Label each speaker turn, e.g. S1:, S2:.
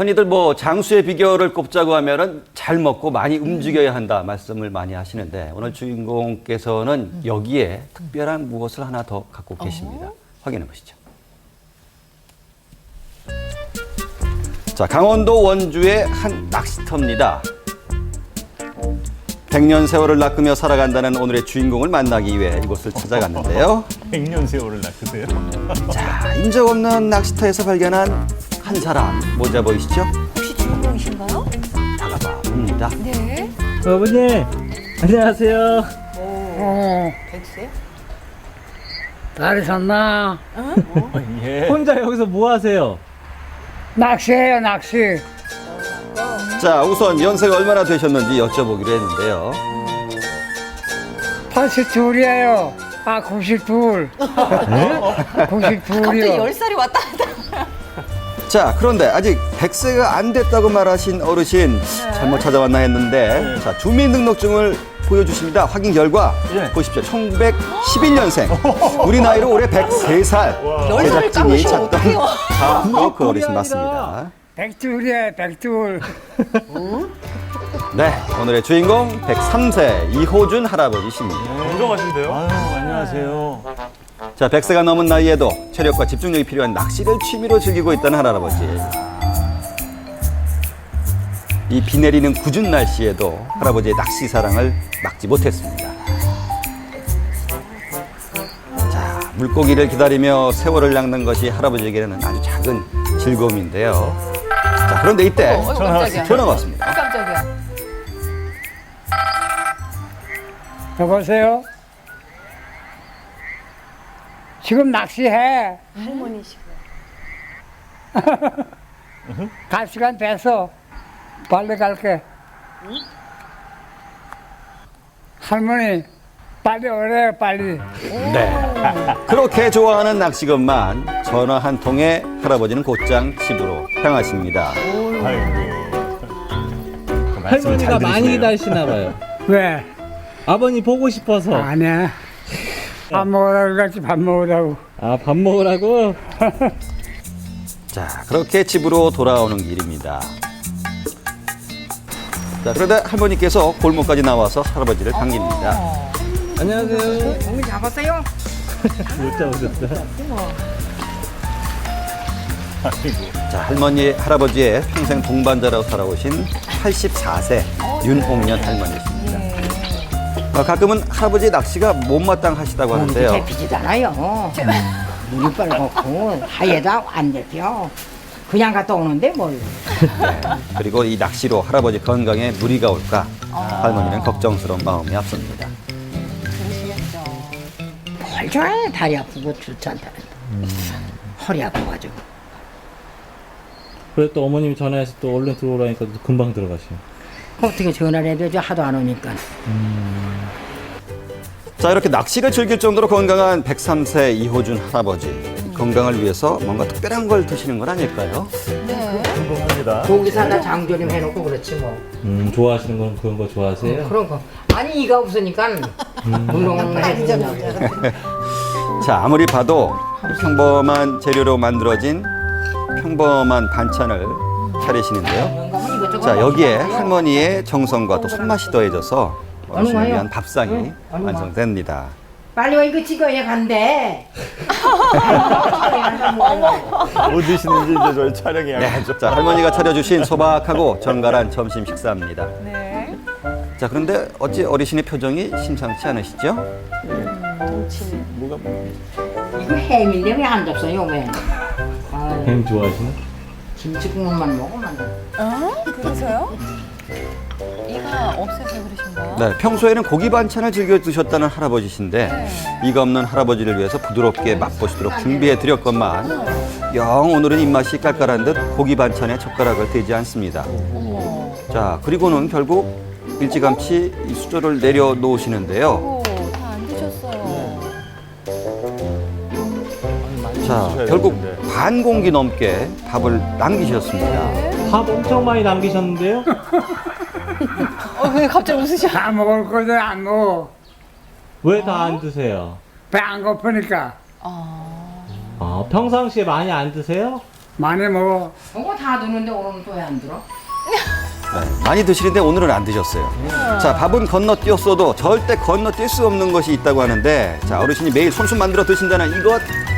S1: 흔히들 뭐 장수의 비결을 꼽자고 하면은 잘 먹고 많이 움직여야 한다 말씀을 많이 하시는데 오늘 주인공께서는 여기에 특별한 무엇을 하나 더 갖고 계십니다. 확인해 보시죠. 자, 강원도 원주의 한 낚시터입니다. 100년 세월을 낚으며 살아간다는 오늘의 주인공을 만나기 위해 이곳을 찾아갔는데요.
S2: 100년 세월을 낚으세요?
S1: 자, 인적 없는 낚시터에서 발견한 한 사람, 모자 보이시죠?
S3: 혹시 주인공이신가요?
S1: 다가봐 봅니다.
S3: 네.
S4: 어머니, 안녕하세요.
S3: 백세?
S5: 잘 샀나?
S2: 예.
S4: 혼자 여기서 뭐 하세요?
S5: 낚시해요, 낚시.
S1: 자, 우선 연세가 얼마나 되셨는지 여쭤보기로 했는데요.
S5: 82이에요. 아, 92.
S3: 갑자기
S5: 92이요.
S3: 10살이 왔다 갔다.
S1: 자, 그런데 아직 100세가 안 됐다고 말하신 어르신 잘못 찾아왔나 했는데 자, 주민등록증을 보여주십니다. 확인 결과
S2: 예.
S1: 보십시오. 1911년생. 우리 나이로 올해 103살.
S3: 10살을 까보시면 어떡해요?
S1: 바로 그 어르신 맞습니다.
S5: 백둘이에요, 백둘.
S1: 네, 오늘의 주인공 103세 이호준 할아버지십니다.
S2: 건강하신데요? 아유, 안녕하세요.
S1: 자, 100세가 넘은 나이에도 체력과 집중력이 필요한 낚시를 취미로 즐기고 있다는 할아버지. 이 비 내리는 궂은 날씨에도 할아버지의 낚시 사랑을 막지 못했습니다. 자, 물고기를 기다리며 세월을 낚는 것이 할아버지에게는 아주 작은 즐거움인데요. 자, 그런데 이때
S3: 깜짝이야.
S1: 전화가 왔습니다.
S3: 깜짝이야.
S5: 여보세요? 지금 낚시해.
S3: 할머니시고.
S5: 갈 시간 됐어. 빨리 갈게. 할머니, 빨리 오래요, 빨리.
S1: 네. 그렇게 좋아하는 낚시건만 전화 한 통에 할아버지는 곧장 집으로 향하십니다.
S2: 아이고. 그 말씀을
S4: 할머니가
S2: 잘
S4: 많이
S2: 들으시네요.
S4: 기다리시나 봐요.
S5: 왜?
S4: 아버님 보고 싶어서.
S5: 아니야. 밥 먹으라고 같이 밥 먹으라고.
S4: 아, 밥 먹으라고?
S1: 자, 그렇게 집으로 돌아오는 길입니다. 자, 그러다 할머니께서 골목까지 나와서 할아버지를 반깁니다.
S4: 안녕하세요.
S5: 공기 잡았어요?
S4: 못 잡으셨어요?
S2: 아이고.
S1: 자, 할머니, 할아버지의 평생 동반자라고 살아오신 84세 윤홍년 할머니십니다. 가끔은 할아버지 낚시가 못마땅하시다고 하는데요.
S6: 잡히지잖아요. 물이 빨갛고 하얘도 안 잡혀. 그냥 갔다 오는데 뭘.
S1: 그리고 이 낚시로 할아버지 건강에 무리가 올까 할머니는 걱정스러운 마음이 앞섭니다.
S3: 그러시겠죠.
S6: 뭘 좋아해. 다리 아프고 좋지 않다. 허리 아파가지고.
S4: 그래 또 어머님이 전화해서 또 얼른 들어오라니까 또 금방 들어가시요.
S6: 어떻게 전화를 해도 저 하도 안 오니까.
S1: 자, 이렇게 낚시를 즐길 정도로 건강한 103세 이호준 할아버지. 건강을 위해서 뭔가 특별한 걸 드시는 건 아닐까요?
S3: 네.
S2: 궁금합니다.
S6: 고기 사다 장조림 해놓고 그렇지 뭐.
S4: 좋아하시는 건 그런 거 좋아하세요?
S6: 그런 거. 아니 이가 없으니까 물렁 해주냐고.
S1: 자, 아무리 봐도 평범한 재료로 만들어진 평범한 반찬을 차리시는데요. 자, 여기에 할머니의 정성과 또 손맛이 더해져서 어르신을 위한 밥상이 완성됩니다.
S6: 빨리 와 이거 찍어야 간대.
S2: 뭐 드시는지 이제 저희 촬영해야겠죠.
S1: 자, 할머니가 차려주신 소박하고 정갈한 점심 식사입니다.
S3: 네.
S1: 자, 그런데 어찌 어르신의 표정이 심상치 않으시죠?
S2: 뭐가
S6: 이거 햄인데 왜 안 잡숴요 왜? 아유,
S4: 햄 좋아하시나?
S6: 김치국물만 먹으면 돼.
S3: 그러세요? 이가 없어서 그러신가요?
S1: 네, 평소에는 고기 반찬을 즐겨 드셨다는 할아버지신데 이가 없는 할아버지를 위해서 부드럽게 맛보시도록 준비해 드렸건만 영 오늘은 입맛이 깔깔한 듯 고기 반찬에 젓가락을 대지 않습니다. 자, 그리고는 결국 일찌감치 이 수저를 내려놓으시는데요.
S3: 다 안 드셨어요.
S1: 자, 결국 반 공기 넘게 밥을 남기셨습니다.
S4: 밥 엄청 많이 남기셨는데요?
S3: 왜 갑자기 웃으셔?
S5: 다 먹을 거도 안 먹어.
S4: 왜 다 안 드세요?
S5: 배 안 고프니까.
S4: 평상시에 많이 안 드세요?
S5: 많이 먹어.
S6: 저거 다 드는데 오늘은 또 왜 안 들어?
S1: 네, 많이 드시는데 오늘은 안 드셨어요. 자, 밥은 건너뛰었어도 절대 건너뛸 수 없는 것이 있다고 하는데, 자, 어르신이 매일 손수 만들어 드신다는 이것